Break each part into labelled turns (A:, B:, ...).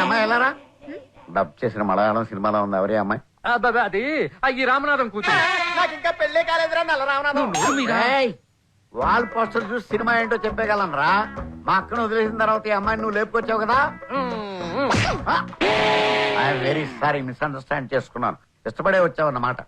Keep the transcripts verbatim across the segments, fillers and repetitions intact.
A: అమ్మాయి వెళ్ళారా? డబ్ చేసిన మలయాళం సినిమాలో ఉంది. ఎవరి అమ్మాయి?
B: అది ఈ రామనాథం కూతురు.
C: నాకు ఇంకా పెళ్లి కాలేదురా నల్ల రామనాథం.
A: వాల్ పోస్టర్ చూసి సినిమా ఏంటో చెప్పగలను రా. మా అక్కను వదిలేసిన తర్వాత ఈ అమ్మాయిని నువ్వు లేపుకొచ్చావు కదా. ఐఎమ్ వెరీ సారీ, మిస్అండర్స్టాండ్ చేసుకున్నాను. ఇష్టపడే వచ్చావు అన్నమాట.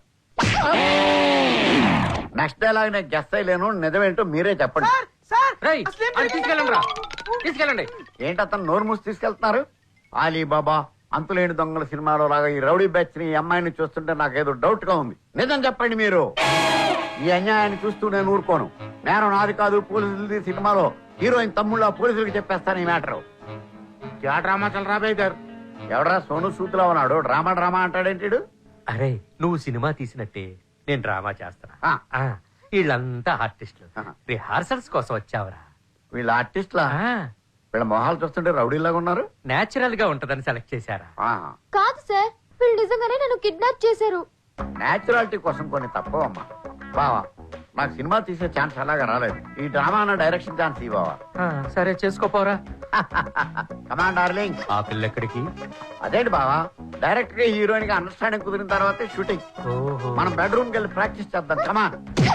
A: నెక్స్ట్ డైలాగ్ నేను గెస్ట్ అయ్యలేను. నిజమేంటో మీరే చెప్పండి.
B: తీసుకెళ్ళండి రా, తీసుకెళ్ళండి.
A: ఏంటి అతను నోరు మూసి తీసుకెళ్తున్నారు? అలీబాబా అంతులేని దొంగల సినిమాలో లాగా ఈ రౌడీ బ్యాచ్ ని, ఈ అమ్మాయిని చూస్తుంటే నాకేదో డౌట్ గా ఉంది. నిజం చెప్పండి మీరు. ఈ అన్యాయాన్ని చూస్తూ నేను ఊరుకోను. నేను నాది కాదు పోలీసులది. సినిమాలో హీరోయిన్ తమ్ముళ్ళ పోలీసులకు చెప్పేస్తాను ఈ మ్యాటర్. డ్రామా చల్ రాబోయారు. ఎవడరా సోను సూతులా ఉన్నాడు? డ్రామా డ్రామా అంటాడేంటి?
B: అరే నువ్వు సినిమా తీసినట్టే నేను డ్రామా చేస్తానా. వీళ్ళంతా ఆర్టిస్టులు. రిహార్సల్స్ కోసం వచ్చావరా?
A: వీళ్ళ ఆర్టిస్ట్లా? వీళ్ళ మొహాలు చూస్తుంటే రౌడీలాగా ఉన్నారు.
B: నేచురల్ గా ఉంటదని సెలెక్ట్ చేశారా?
D: కాదు సార్, వీళ్ళు నిజంగానే నన్ను కిడ్నాప్ చేశారు.
A: నేచురాలిటీ కోసం కొన్ని తప్పవమ్మా. బావా నాకు సినిమా తీసే ఛాన్స్ అలాగా రాలేదు. ఈ డ్రామా అన్న డైరెక్షన్ ఛాన్స్ ఈ బావా.
B: సరే చేసుకోపోరా.
A: Command darling.
B: ఆ పిల్ల ఎక్కడికి?
A: అదేంటి బావా, డైరెక్ట్ గా హీరోయిన్ గా అండర్స్టాండింగ్ కుదిరిన తర్వాతే షూటింగ్. మనం బెడ్రూమ్ కి వెళ్ళి ప్రాక్టీస్ చేద్దాం. కమాన్.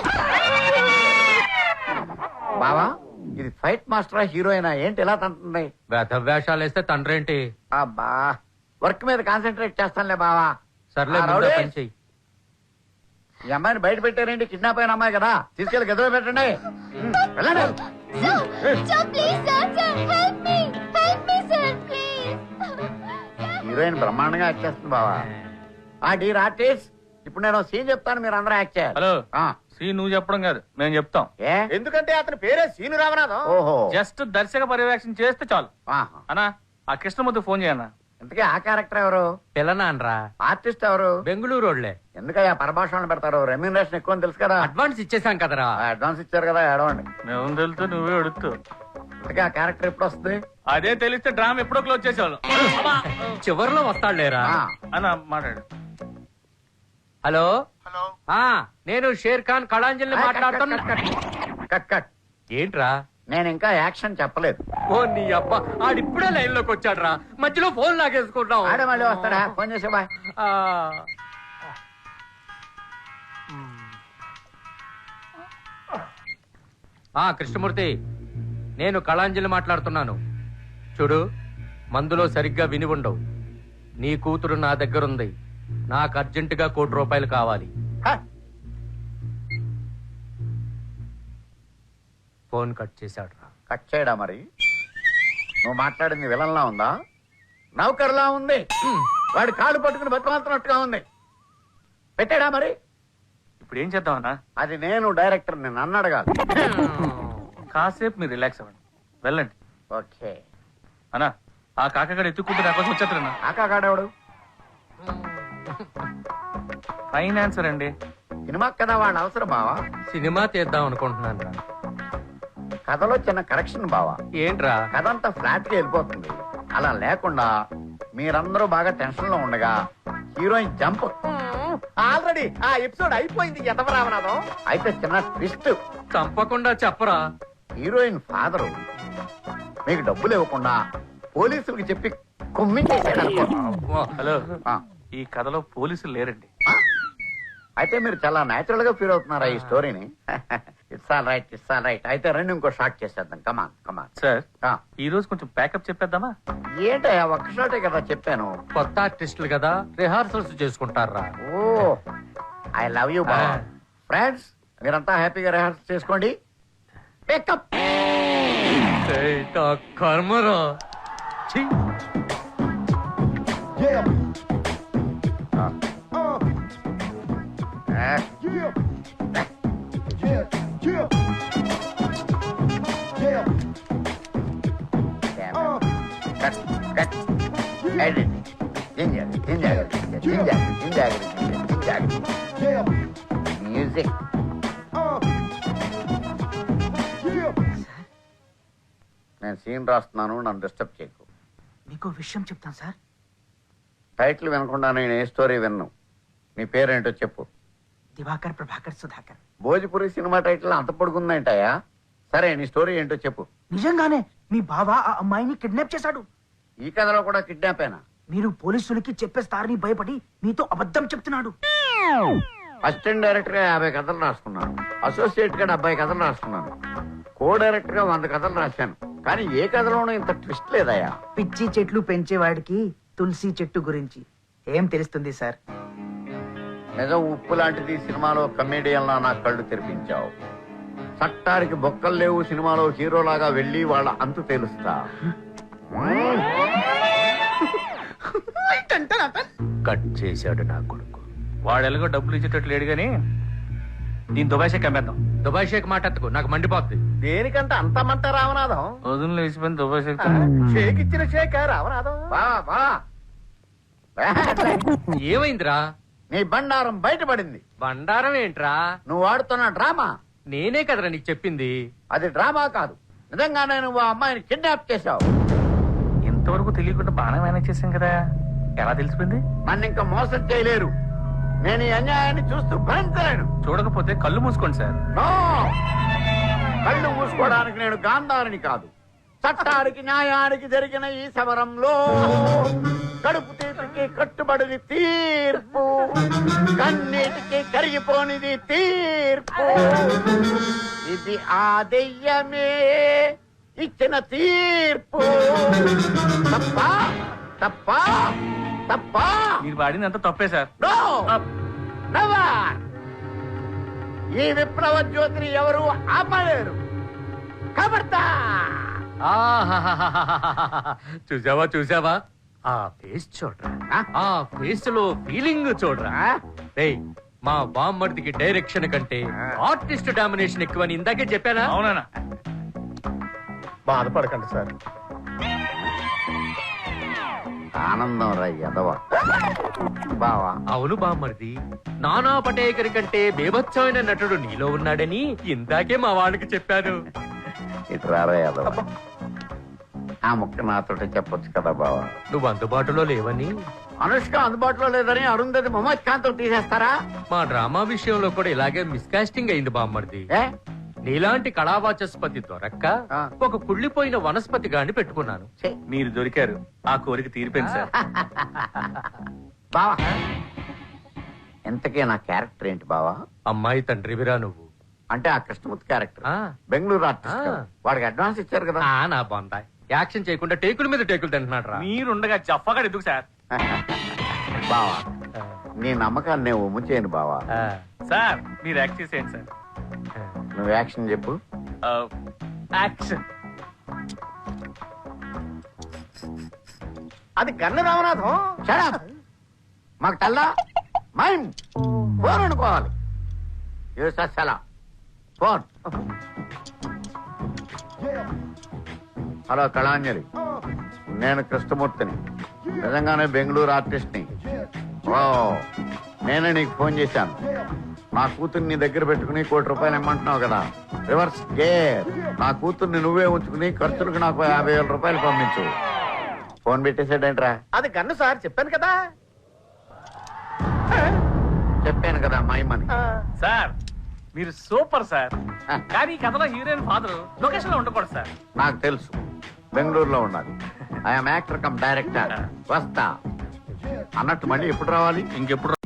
A: బావా ఇది ఫైట్ మాస్టరా హీరోయినా ఏంటి ఎలా తంటుంది?
B: వేషాలు వేస్తే తండ్రి ఏంటి?
A: అబ్బా వర్క్ మీద కాన్సన్ట్రేట్ చేస్తానులే బావా.
B: సర్లే పని చెయ్యి.
A: ఈ అమ్మాయిని బయట పెట్టారేంటి? కిడ్నాప్ అయిన అమ్మాయి కదా, తీసుకెళ్లి గదిలో పెట్టండి. హీరోయిన్ బ్రహ్మాండంగా యాక్ట్ చేస్తుంది బావా. ఆ డీర్ ఆర్టిస్ట్, ఇప్పుడు నేను సీన్ చెప్తాను, మీరు అందరూ యాక్ట్ చేయాలి.
E: హలో, సీన్ నువ్వు చెప్పడం కాదు మేము చెప్తాం.
C: ఎందుకంటే అతని పేరే సీను రామనాథం.
A: ఓహో,
E: జస్ట్ దర్శక పర్యవేక్షణ చేస్తే చాలు. అన్నా ఆ కృష్ణమూర్తి ఫోన్ చేయన్నా.
A: ఇంతకీ ఆ క్యారెక్టర్ ఎవరు?
B: పిల్లనాన్రా.
A: ఆర్టిస్ట్ ఎవరు?
B: బెంగళూరు రోడ్లే.
A: ఎందుకయ్యా పరభాషణ పెడతారు? రెమ్యూనరేషన్ ఎక్కువ తెలుసు కదా.
B: అడ్వాన్స్ ఇచ్చేసాం కదరా.
A: అడ్వాన్స్ ఇచ్చారు కదా, ఏడవండి.
E: మేము తెలుస్తూ నువ్వే అడుగుతూ.
A: ఇంతకీ ఆ క్యారెక్టర్ ఎప్పుడు వస్తుంది?
E: అదే తెలిస్తే డ్రామా ఎప్పుడో క్లోజ్ చేసేవాళ్ళు.
B: చివరిలో వస్తాడులేరా.
E: అన్న మాట్లాడు.
B: హలో
C: హలో,
B: నేను షేర్ ఖాన్ కళాంజలిని మాట్లాడుతున్నా.
A: Cut cut.
B: ఏంట్రా?
A: నేను ఇంకా యాక్షన్ చెప్పలేదు.
B: ఓ నీ అబ్బా, ఆడిప్పుడే లైన్ లోకి వచ్చాడు రా. మధ్యలో ఫోన్ లాగేసుకుంటాం.
A: ఆడే మళ్ళీ వస్తాడా? ఫోన్ చేసే బాయ్.
B: ఆ కృష్ణమూర్తి, నేను కళాంజలి మాట్లాడుతున్నాను. చూడు, మందులో సరిగ్గా విని ఉండవు. నీ కూతురు నా దగ్గరుంది. నాకు అర్జెంటుగా కోటి రూపాయలు కావాలి. ఫోన్ కట్ చేశాడు రా.
A: కట్ చేయడా? మరి నువ్వు మాట్లాడింది విలన్లా ఉందా, నౌకర్లా ఉంది? వాడి కాళ్ళు పట్టుకుని బతుకుతున్నట్టుగా ఉంది. పెట్టాడా? మరి
E: ఇప్పుడు ఏం చేద్దామన్నా?
A: అది నేను డైరెక్టర్, నేను నన్ను అడగాలి.
E: కాసేపు మీరు రిలాక్స్ అవ్వండి, వెళ్ళండి.
A: ఓకే
E: అన్నా, ఆ కాకగాడు ఎత్తుకుంటే నా కోసం వచ్చేస్తారన్నా.
A: కాకాగాడెవడు?
E: ఫైనాన్సర్ అండి.
A: సినిమా కదా, వాడు అవసరం బావా.
B: సినిమా తీద్దాం అనుకుంటున్నాను రా.
A: కథలో చిన్న కరెక్షన్ బావా.
B: ఏంట్రా?
A: కథ అంతా ఫ్లాట్ గా వెళ్ళిపోతుంది. అలా లేకుండా మీరందరూ బాగా టెన్షన్ లో ఉండగా హీరోయిన్ జంప్.
C: ఆల్రెడీ ఆ ఎపిసోడ్ అయిపోయింది. ఎదవ రామనాథం.
A: అయితే చిన్న ట్విస్ట్.
B: చంపకుండా చెప్పరా.
A: హీరోయిన్ ఫాదరు మీకు డబ్బులు ఇవ్వకుండా పోలీసులకు చెప్పి కుమ్మించేసాడు అనుకో.
E: హలో,
A: ఆ,
E: ఈ కథలో పోలీసులు లేరండి.
A: అయితే మీరు చాలా నేచురల్ గా ఫీల్ అవుతున్నారా ఈ స్టోరీని? It's all right, it's all right. అయితే రెండు ఇంకో షాట్ చేసేద్దాం. కమాన్ కమాన్.
E: సార్, ఈ రోజు కొంచెం ప్యాకప్ చెప్పేద్దామా?
A: ఏంటయ్యా ఒక్క షాటే కదా చెప్పాను.
B: కొత్త ఆర్టిస్టులు కదా, రిహార్సల్స్ చేసుకుంటారా.
A: ఓ ఐ లవ్ యూ బాబా. ఫ్రెండ్స్ మీరంతా హ్యాపీగా రిహార్సల్ చేసుకోండి. పికప్.
B: కర్మరా.
A: మ్యూజిక్. నేను సీన్ రాస్తున్నాను, నన్ను డిస్టర్బ్ చేయకు.
C: మీకు విషయం చెప్తాను సార్.
A: టైటిల్ వినకుండా నేను ఏ స్టోరీ విన్ను. నీ పేరేంటో చెప్పు.
C: దివాకర్ ప్రభాకర్ సుధాకర్.
A: భోజ్పురి సినిమా టైటిల్ అంత పొడుగుందంటాయా? సరే నీ స్టోరీ ఏంటో చెప్పు.
C: నిజంగానే మీ బావ ఆ అమ్మాయిని కిడ్నాప్ చేశాడు.
A: ఈ కథలో కూడా కిడ్నాపేనా?
F: మీరు పోలీసులకి చెప్పేస్తారని భయపడి మీతో అబద్ధం చెప్తున్నాడు.
A: అసిస్టెంట్ డైరెక్టర్ గా యాభై కథలు రాసుకున్నాను, అసోసియేట్ గా డెబ్బై కథలు రాసుకున్నాను, కో డైరెక్టర్ గా వంద కథలు రాశాను. కానీ ఏ కథలోనూ ఇంత ట్విస్ట్ లేదయ్యా.
F: పిచ్చి చెట్లు పెంచేవాడికి తులసి చెట్టు గురించి ఏం తెలుస్తుంది సార్?
A: నిజం ఉప్పు లాంటిది సినిమాలో కమేడియన్లా నా కళ్ళు తెరిపించావు. చట్టానికి బొక్కలు లేవు సినిమాలో హీరోలాగా వెళ్ళి వాళ్ళ అంతు తెలుస్తా.
B: కట్ చేశాడు నా కొడుకు.
E: వాడు ఎలాగో డబ్బులు ఇచ్చేటట్లు లేడు గాని దీని దుబాయ్ కమ్మేద్దాం.
B: దుబాయ్ షేక్ మాటెత్తుకు, నాకు మండిపోద్ది.
C: దేనికంటే అంత మంట రామనాథం?
E: వదులు వేసిపోయిన దుబాయ్ షేక్
C: షేక్ ఇచ్చిన షేక్ రామనాథం.
A: బా బా
B: ఏమైందిరా?
A: నీ బండారం బయటపడింది.
B: బండారం ఏంట్రా?
A: నువ్వు ఆడుతున్న డ్రామా.
B: నేనే కదరా నీకు చెప్పింది.
A: అది డ్రామా కాదు, నిజంగానే నువ్వు ఆ అమ్మాయిని కిడ్నాప్ చేశావు.
E: ఇంతవరకు తెలియకుండా బాగా మేనేజ్ చేసాం కదా, ఎలా తెలిసిపోయింది?
A: నన్ను ఇంకా మోసం చేయలేరు. నేను ఈ అన్యాయాన్ని చూస్తూ భరించలేను.
E: చూడకపోతే కళ్ళు మూసుకోండి సార్.
A: నో! కళ్ళు మూసుకోవడానికి నేను గాంధారిని కాదు. చట్టానికి న్యాయానికి జరిగిన ఈ సమరంలో కడుపు తీపికి కట్టుబడిది తీర్పు, కన్నీటికి కరిగిపోనిది తీర్పు. ఇది ఆ దెయ్యమే ఇచ్చిన తీర్పు. తప్ప తప్ప తప్ప
E: మీరు వాడిందంతా తప్పే సార్.
A: నో! నెవర్! ఈ విప్లవ జ్యోతిని ఎవరు ఆపలేరు. కబర్దా!
B: ఆహాహాహాహాహా. చూసావా చూసావా ఆ ఫేస్ చూడరా,
A: ఆ?
B: ఆ ఫేస్ లో ఫీలింగ్ చూడరా. రేయ్, మా బామ్మర్దికి డైరెక్షన్ కంటే ఆర్టిస్ట్ డామినేషన్ ఎక్కువని ఇందాకే చెప్పానా?
E: అవునా?
C: బాధపడకండి సార్.
A: ఆనందం రా ఎదవ. బావా,
B: అవును బామ్మర్ది, నానా పటేకర్ కంటే బేభత్సమైన నటుడు నీలో ఉన్నాడని ఇందాకే మా వాళ్ళకి చెప్పాను.
A: ఇటు రారా ఎదవ. ఆ ముక్క నాతోటి చెప్పొచ్చు కదా బావా.
B: నువ్వు అందుబాటులో లేవని.
A: అనుష్క అందుబాటులో లేదని అరుంధతి మొహమ్మద్ ఖాన్ తో తీసేస్తారా?
B: మా డ్రామా విషయంలో కూడా ఇలాగే మిస్కాస్టింగ్ అయింది బామ్మర్ది.
A: ఏ
B: నీలాంటి కళావాచస్పతి దొరక్క
A: ఆ.
B: ఒక కుళ్ళిపోయిన వనస్పతి గాని పెట్టుకున్నాను.
A: ఛే,
E: మీరు దొరికారు, ఆ కోరిక తీరిపోయింది సార్.
A: బావా, ఎంతకే నా క్యారెక్టర్ ఏంటి బావా?
B: అమ్మాయి తండ్రివిరా నువ్వు.
A: అంటే ఆ కృష్ణమూర్తి క్యారెక్టర్,
B: ఆ.
A: బెంగళూరు ఆర్టిస్ట్
B: ఆ.
A: కదా. వాడికి అడ్వాన్స్ ఇచ్చారు కదా.
B: ఆ, నా బాందాయ్ యాక్షన్ చేయకుండా టేకుల మీద టేకులు తింటున్నాడు రా.
E: మీరుండగా జఫ్ఫగా ఎందుకు సార్?
A: బావా, నీ నమ్మకాన్ని నేను ఒమ్ము చేయను బావా.
E: సార్ మీరు యాక్ట్ చేసేయండి సార్.
A: నువ్వు యాక్షన్ చెప్పు.
E: ఆ, యాక్షన్.
C: అది గన్ను రామనాథం.
A: Shut up. మాకు తెల్లా మైమ్ ఫోన్ అనుకోవాలి. యూసలా ఫోన్. హలో కళాంజలి, నేను కృష్ణమూర్తిని, నిజంగానే బెంగళూరు ఆర్టిస్ట్ ని. ఓ, నేనే నీకు ఫోన్ చేశాను. నా కూతుర్ని నీ దగ్గర పెట్టుకుని కోటి రూపాయలు ఇమ్మంటున్నావు కదా. Reverse gear. నా కూతుర్ని నువ్వే ఉంచుకుని ఖర్చులకు నాకు యాభై వేల రూపాయలు పంపించు. ఫోన్ పెట్టేసాడేంట్రా?
C: అది గన్ను సార్, చెప్పాను కదా.
A: చెప్పాను కదా మైమని.
E: సార్ మీరు సూపర్ సార్. కానీ ఈ కథలో హీరోయిన్ ఫాదర్ లొకేషన్ లో ఉండకూడదు సార్.
A: నాకు తెలుసు, బెంగళూరులో ఉండాలి. I'm actor cum director. వస్తా అన్నట్టు మళ్ళీ ఎప్పుడు రావాలి?
E: ఇంకెప్పుడు